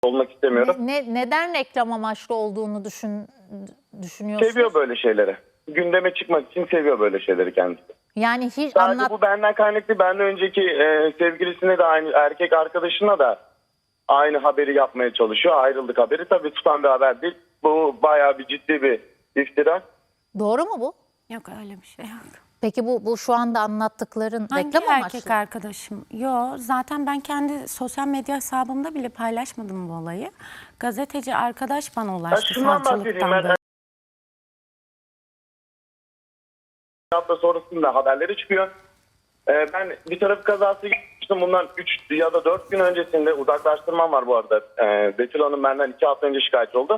olmak istemiyorum. Neden reklam amaçlı olduğunu düşünüyorsunuz? Seviyor böyle şeyleri. Gündeme çıkmak için seviyor böyle şeyleri kendisi. Yani hiç Sadece bu benden kaynaklı. Benden önceki sevgilisine de aynı, erkek arkadaşına da aynı haberi yapmaya çalışıyor. Ayrıldık haberi. Tabii tutan bir haber değil. Bu bayağı bir ciddi bir iftira. Doğru mu bu? Yok öyle bir şey yok. Peki bu şu anda anlattıkların Hangi reklam amaçlı? erkek arkadaşım? Yok, zaten ben kendi sosyal medya hesabımda bile paylaşmadım bu olayı. Gazeteci arkadaş bana ulaştı Şundan bahsedeyim savcılıktan. ben. Hafta sonrasında haberleri çıkıyor. Ben bir trafik kazası geçmiştim. Bundan 3 ya da 4 gün öncesinde uzaklaştırmam var bu arada. Betül Hanım benden 2 hafta önce şikayetçi oldu.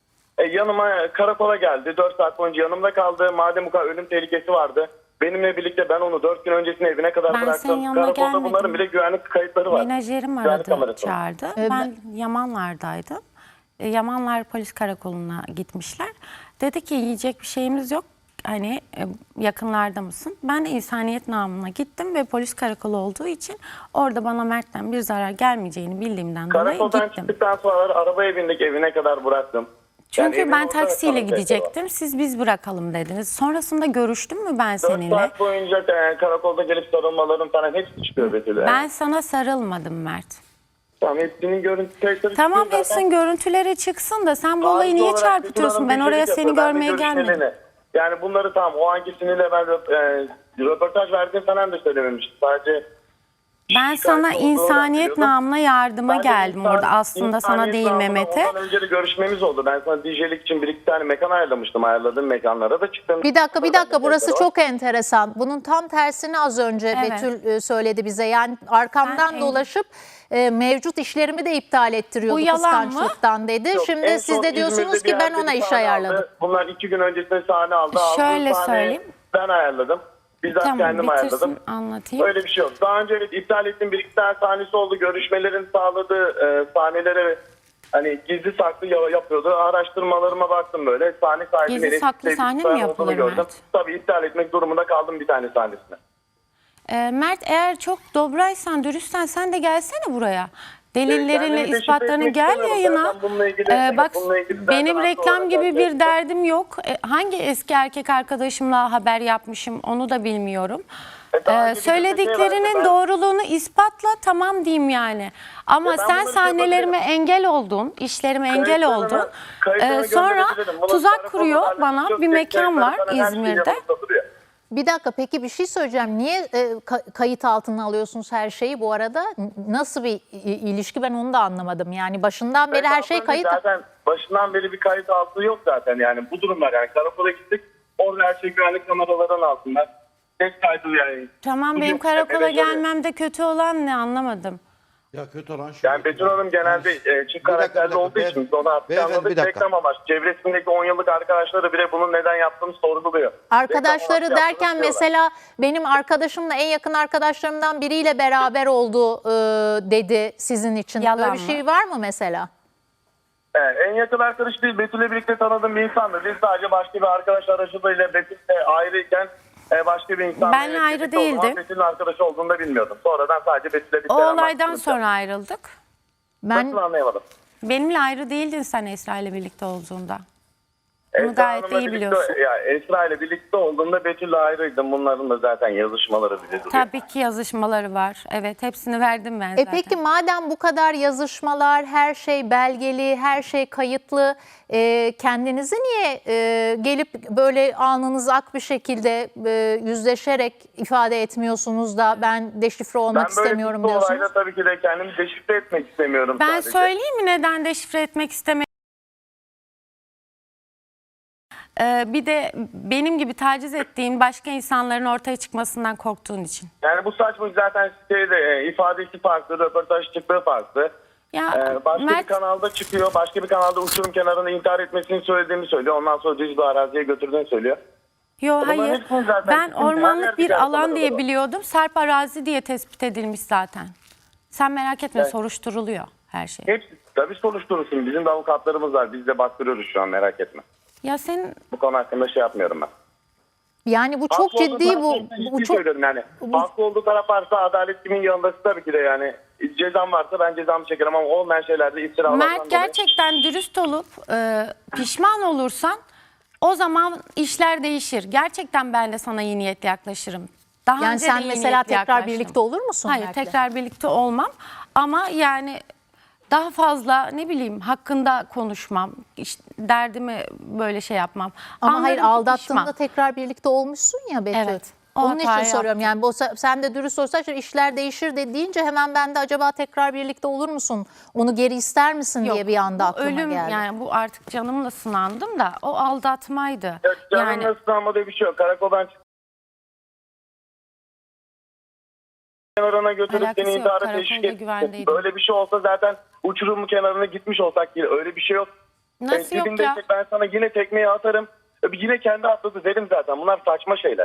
Yanıma karakola geldi. 4 saat boyunca yanımda kaldı. Madem bu kadar ölüm tehlikesi vardı. Benimle birlikte ben onu 4 gün öncesinde evine kadar Ben senin bıraktım. yanına Karakolda gelmedim. bunların bile güvenlik kayıtları var. Menajerim Güvenlik aradı, kamerası var. çağırdı. Ben Yamanlar'daydım. Yamanlar polis karakoluna gitmişler. Dedi ki yiyecek bir şeyimiz yok. Hani yakınlarda mısın? Ben de insaniyet namına gittim ve polis karakolu olduğu için orada bana Mert'ten bir zarar gelmeyeceğini bildiğimden dolayı Karakoldan gittim. çıktıktan sonra arabaya bindik, evine kadar bıraktım. Çünkü evin ben orada taksiyle kalan gidecektim. Siz biz bırakalım dediniz. Sonrasında görüştüm mü ben 4 seninle? saat boyunca karakolda gelip sarılmalarım falan hepsi çıkıyor Betül'e. Ben sana sarılmadım Mert. Tamam, hepsinin görüntü kayıtları Tamam çıkıyor hepsinin görüntüleri çıksın da sen bu olayı Tarihi niye olarak çarpıtıyorsun? Ben Betül oraya Hanım seni gecelik yapıyor, ben de görmeye gelmedim. görüşmelerini. Yani bunları tamam o anki sinirle ben röportaj verdiğim falan da söylememiştim. Sadece Ben sana olduğunu insaniyet biliyordum. namına yardıma Ben de geldim orada aslında sana insaniyet değil namına Mehmet'e. Ondan önce de görüşmemiz oldu. Ben sana DJ'lik için bir iki tane mekan ayarlamıştım. Ayarladığım mekanlara da çıktım. Bir dakika burası Var. çok enteresan. Bunun tam tersini az önce Evet. Betül söyledi bize. Yani arkamdan Ben dolaşıp mevcut işlerimi de iptal ettiriyordu Bu yalan mı? kıskançlıktan dedi. Yok, en Şimdi siz son de diyorsunuz İzmir'de ki bir ben yerde ona bir iş sahne ayarladım. aldı. Bunlar 2 gün öncesinde sahne aldı. Şöyle Aldığı sahneyi söyleyeyim. Ben ayarladım. Bizzat Tamam kendim ayarladım. bitirsin anlatayım. Öyle bir şey yok. Daha önce evet iptal ettiğim bir iki tane sahnesi oldu. Görüşmelerin sağladığı sahnelere hani gizli saklı yapıyordu. Araştırmalarıma baktım böyle. Sahne sahibi Gizli Melih saklı Sevgi sahne mi falan yapılır olduğunu gördüm. Mert? Tabii iptal etmek durumunda kaldım bir tane sahnesine. Mert eğer çok dobraysan, dürüstsen sen de gelsene buraya. Delillerinle, Kendimi deşifre ispatlarını etmek gel istemiyorum. yayına. Zaten bununla ilgili- Bak bununla ilgili zaten benim haklı reklam olarak gibi bir zaten- derdim yok. Hangi eski erkek arkadaşımla haber yapmışım onu da bilmiyorum. daha önce bir Söylediklerinin şey vardı, ben- doğruluğunu ispatla tamam diyeyim yani. Ama ben sen bunları sahnelerime yapabilirim. engel oldun, işlerime engel Kayıtlarını- oldun. kayıtlarını Sonra gönderebilirim. Bunun tuzak tarafı kuruyor olarak bana çok bir mekan kayıtları var falan her şey İzmir'de. yanımda duruyor. Bir dakika peki bir şey söyleyeceğim. Niye kayıt altına alıyorsunuz her şeyi bu arada? Nasıl bir ilişki ben onu da anlamadım. Yani başından beri her şey Kayıt kayıt. altında zaten başından beri bir kayıt altı yok zaten yani bu durumlar yani karakola gittik orada her şey güvenlik kameralarının altında. Ses kaydı yani. Tamam Bu benim yok, karakola evet, evet. gelmemde kötü olan ne anlamadım. Ya kötü olan şu. Yani Betül Hanım genelde çift karakterli olduğu için biz onu artık Beyefendi, anladık. bir dakika. Reklam amaçlı. Çevresindeki 10 yıllık arkadaşları bile bunun neden yaptığını sorguluyor. Arkadaşları Reklam amaçlı derken yaptığını mesela benim arkadaşımla en yakın arkadaşlarımdan biriyle beraber oldu dedi sizin için. Yalan Öyle bir mı? şey var mı mesela? Evet, en yakın arkadaş değil. Betül'le birlikte tanıdığım bir insandı. Biz sadece başka bir arkadaş aracılığıyla Betül'le ayrıyken başka bir insan. Benle ayrı değildim. Betül'ün arkadaşı olduğunu da bilmiyordum. Sonradan sadece Betül'le bir O selam olaydan baktım. sonra ayrıldık. Nasıl anlayamadım. Benimle ayrı değildin sen Esra ile birlikte olduğunda. Bunu Esra gayet Hanım'la iyi birlikte- biliyorsun. Ya Esra ile birlikte olduğunda Betül'le ayrıydım. Bunların da zaten yazışmaları bile duruyor. Tabii ki yazışmaları var. Evet hepsini verdim ben zaten. Peki madem bu kadar yazışmalar, her şey belgeli, her şey kayıtlı, kendinizi niye gelip böyle alnınız ak bir şekilde yüzleşerek ifade etmiyorsunuz da ben deşifre olmak istemiyorum bir diyorsunuz? olayda tabii ki de kendimi deşifre etmek istemiyorum Ben sadece. söyleyeyim mi neden deşifre etmek istemiyorum? Bir de benim gibi taciz ettiğin başka insanların ortaya çıkmasından korktuğun için. Yani bu saçma zaten sitede ifadesi farklı, röportaj çıktığı farklı. Ya Başka bir Mert, kanalda çıkıyor, başka bir kanalda uçurum kenarında intihar etmesini söylediğini söylüyor. Ondan sonra düz bir araziye götürdüğünü söylüyor. yo Bunların hayır. hepsini zaten Ben bütün her ormanlık yerde bir kayıtları alan diye var. biliyordum. Sarp arazi diye tespit edilmiş zaten. Sen merak etme Evet. soruşturuluyor her şey. Hepsi tabii soruşturulsun. Bizim de avukatlarımız var. Biz de baktırıyoruz şu an, merak etme. Ya senin Bu konu hakkında şey yapmıyorum ben. Yani bu çok Haklı olduğu ciddi, taraf varsa bu ciddi çok söylüyorum yani. Haklı olduğu taraf varsa adalet kimin yanındası tabii ki de yani. Cezam varsa ben cezamı çekerim ama olmayan şeylerde iftiralardan Mert dolayı. gerçekten dürüst olup pişman olursan o zaman işler değişir. Gerçekten ben de sana iyi niyetle yaklaşırım. Daha yani önce sen de iyi mesela niyetle tekrar yaklaştım. birlikte olur musun? Hayır, Mert'le? tekrar birlikte olmam. Ama yani daha fazla ne bileyim hakkında konuşmam. İşte derdimi böyle şey yapmam. Ama hayır, Anlarım ki aldattığında pişman. tekrar birlikte olmuşsun ya Betül. Evet, o Onun için hatayı soruyorum yani sen de dürüst olsan işler değişir de deyince hemen ben de acaba tekrar birlikte olur musun? Onu geri ister misin diye bir anda bu aklıma ölüm, geldi. yani bu artık canımla sınandım da o aldatmaydı. Ya, canım Yani nasıl sınanmadığı bir şey yok. Karakoldan kenarına götürüp Alakası seni yok, intihara karakolda teşvik etsin. güvendeydim. Böyle bir şey olsa zaten uçurumun kenarına gitmiş olsak yine öyle bir şey yok. Nasıl yok dibinde ya? Ben sana yine tekmeyi atarım. Yine kendi atladı derim zaten. Bunlar saçma şeyler.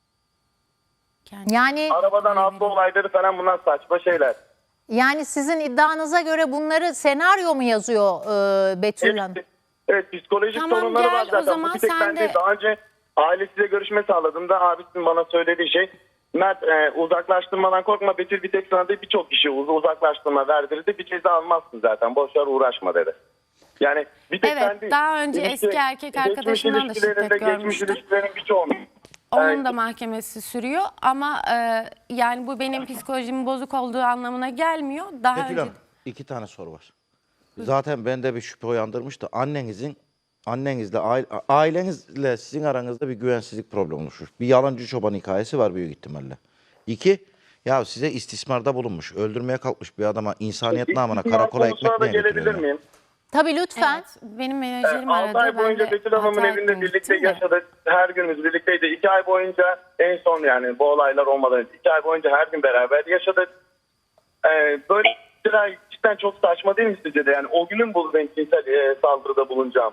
Yani Arabadan atlı olayları falan bunlar saçma şeyler. yani sizin iddianıza göre bunları senaryo mu yazıyor Betül Hanım? Evet, psikolojik Tamam, sorunları gel var o zaten. zaman Bu bir tek sen ben değil. de- Daha önce ailesiyle görüşme sağladığımda abisinin bana söylediği şey, Mert uzaklaştırmadan korkma, Betül bir tek sana değil birçok kişi uzaklaştırma verdirdi. Bir ceza almazsın zaten, boşver uğraşma dedi. Yani bir tek Evet, ben değil. daha önce eski erkek geçmiş arkadaşından da şiddet ilişkilerinde, geçmiş görmüştüm. ilişkilerin birçoğunu. Onun da mahkemesi sürüyor ama yani bu benim psikolojimin bozuk olduğu anlamına gelmiyor. Daha Betül önce Hanım, 2 tane soru var. Zaten bende bir şüphe uyandırmıştı. Annenizle, ailenizle sizin aranızda bir güvensizlik problemi oluşmuş. Bir yalancı çoban hikayesi var büyük ihtimalle. 2, ya size istismarda bulunmuş, öldürmeye kalkmış bir adama insaniyet namına karakola konusuna ekmek da niye gelebilir götürüyor? miyim? Tabii lütfen. evet, benim menajerim 6 aradı. ay boyunca Ben de Betül Hanım'ın hata evinde ettim, birlikte gittim de. yaşadık. Her günümüz birlikteydi. 2 ay boyunca en son yani bu olaylar olmadan önce 2 ay boyunca her gün beraber yaşadık. Böyle şeyler cidden çok saçma değil mi sizce de? Yani o günün bu ben cinsel saldırıda bulunacağım.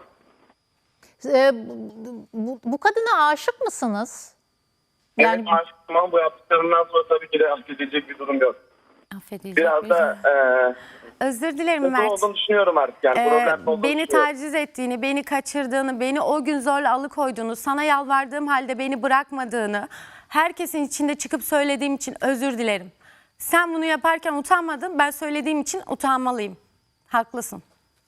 Bu kadına aşık mısınız? Yani Evet, aşkım ama bu yaptıklarından sonra tabii ki de affedilecek bir durum yok. Affedilecek Biraz bir da Özür dilerim kötü Mert. olduğunu düşünüyorum artık. Yani problem olduğunu Beni düşünüyorum. taciz ettiğini, beni kaçırdığını, beni o gün zorla alıkoyduğunu, sana yalvardığım halde beni bırakmadığını herkesin içinde çıkıp söylediğim için özür dilerim. Sen bunu yaparken utanmadın, ben söylediğim için utanmalıyım. Haklısın.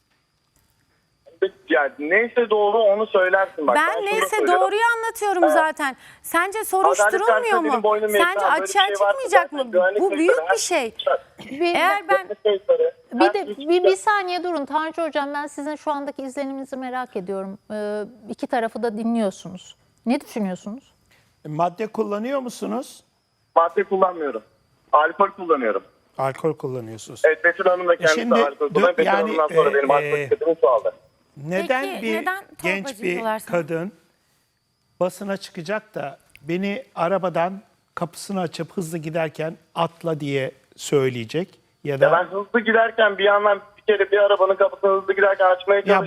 Yani neyse doğru onu söylersin. Bak, Ben şunu neyse söylüyorum. doğruyu anlatıyorum zaten. Sence soruşturulmuyor Adalet mu? benim boynum Sence yetmez. Böyle bir açığa şey varsa çıkmayacak zaten mı? güvenlik Bu büyük sektörü bir şey. bir, Eğer ben bir saniye durun Tanju Hocam, ben sizin şu andaki izleniminizi merak ediyorum. İki tarafı da dinliyorsunuz. Ne düşünüyorsunuz? Madde kullanıyor musunuz? Madde kullanmıyorum. Alkol kullanıyorum. Alkol kullanıyorsunuz. Evet, Betül Hanım da kendisi Şimdi, alkol kullanıyor. Betül yani, Hanım'dan sonra benim alkol istediğimi çoğaldı. Neden Peki, bir neden genç torbacı bir diyorlar sana? kadın basına çıkacak da beni arabadan kapısını açıp hızlı giderken atla diye söyleyecek ya Ya da ben hızlı giderken bir yandan bir kere bir arabanın kapısını hızlı giderken açmaya çalıştım.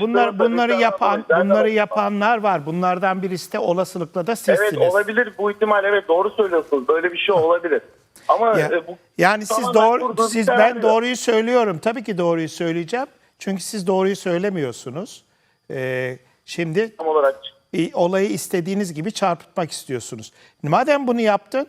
bunları yapanlar var. Bunlardan birisi de olasılıkla da sizsiniz. Evet, olabilir bu ihtimal, evet doğru söylüyorsunuz. Böyle bir şey olabilir. Ama bu Yani siz tamamen kurduğu bir ben senaryo. doğruyu söylüyorum. Tabii ki doğruyu söyleyeceğim. Çünkü siz doğruyu söylemiyorsunuz. Şimdi Tam olarak olayı istediğiniz gibi çarpıtmak istiyorsunuz. Madem bunu yaptın,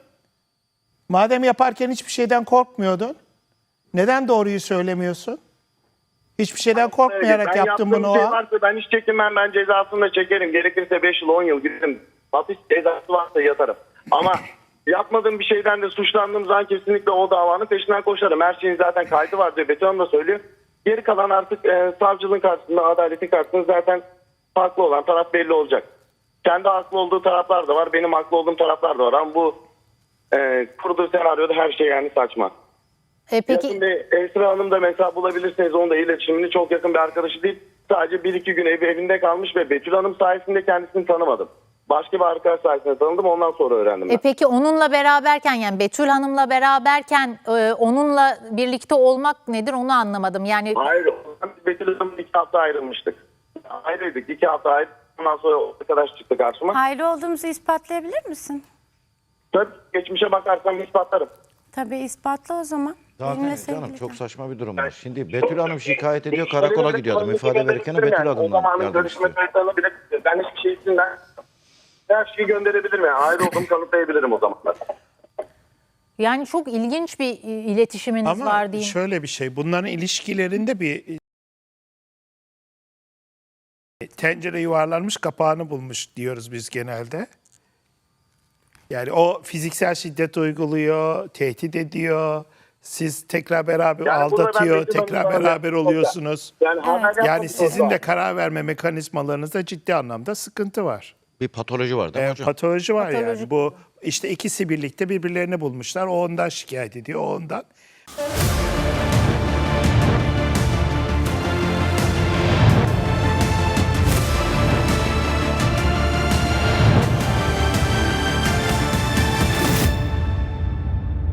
madem yaparken hiçbir şeyden korkmuyordun, neden doğruyu söylemiyorsun? Hiçbir şeyden korkmayarak ben yaptın bunu o şey an. varsa ben hiç çekinmem, ben cezasını da çekerim. Gerekirse 5 yıl 10 yıl giderim. Hapis cezası varsa yatarım. Ama yapmadığım bir şeyden de suçlandığım zaman kesinlikle o davanın peşinden koşarım. Her şeyin zaten kaydı var diye Betül Hanım da söylüyor. Geri kalan artık savcılığın karşısında, adaletin karşısında zaten haklı olan taraf belli olacak. Kendi haklı olduğu taraflar da var, benim haklı olduğum taraflar da var. Ama bu kurduğu senaryoda her şey yani saçma. Peki Şimdi Esra Hanım da mesela bulabilirsiniz, onun da iletişimini çok yakın bir arkadaşı değil. Sadece 1-2 gün evinde kalmış ve Betül Hanım sayesinde kendisini tanımadım. Başka bir arkadaş sayesinde tanıdım, ondan sonra öğrendim ben. peki onunla beraberken, yani Betül Hanım'la beraberken onunla birlikte olmak nedir onu anlamadım. Yani Hayır, Betül Hanım'la 2 hafta ayrılmıştık. Ayrıydık, 2 hafta ayrı. Ondan sonra o arkadaş çıktı karşıma. Hayırlı olduğumuzu ispatlayabilir misin? Tabii geçmişe bakarsam ispatlarım. Tabii ispatla o zaman. Zaten Benimle canım sevgili çok kal. saçma bir durum var. Şimdi Betül Hanım şikayet ediyor, karakola gidiyor adam. İfade verirken Betül O Hanım'dan zamanın yardım görüşme istiyor. kayıtlarını bile ben hiçbir şey içinden her şeyi gönderebilirim. Yani ayrı olduğumu kanıtlayabilirim o zamanlar. Yani çok ilginç bir iletişiminiz Ama var diyeyim. şöyle bir şey, bunların ilişkilerinde bir tencere yuvarlanmış kapağını bulmuş diyoruz biz genelde. Yani o fiziksel şiddet uyguluyor, tehdit ediyor. Siz tekrar beraber Yani burada ben aldatıyor, Betül tekrar Hanım'la beraber oluyorsunuz. Yani, haberden Yani sonra- sizin de karar verme mekanizmalarınızda ciddi anlamda sıkıntı var. Bir patoloji var değil mi hocam? Patoloji var Patolojik yani. Bu işte ikisi birlikte birbirlerini bulmuşlar. O ondan şikayet ediyor, o ondan.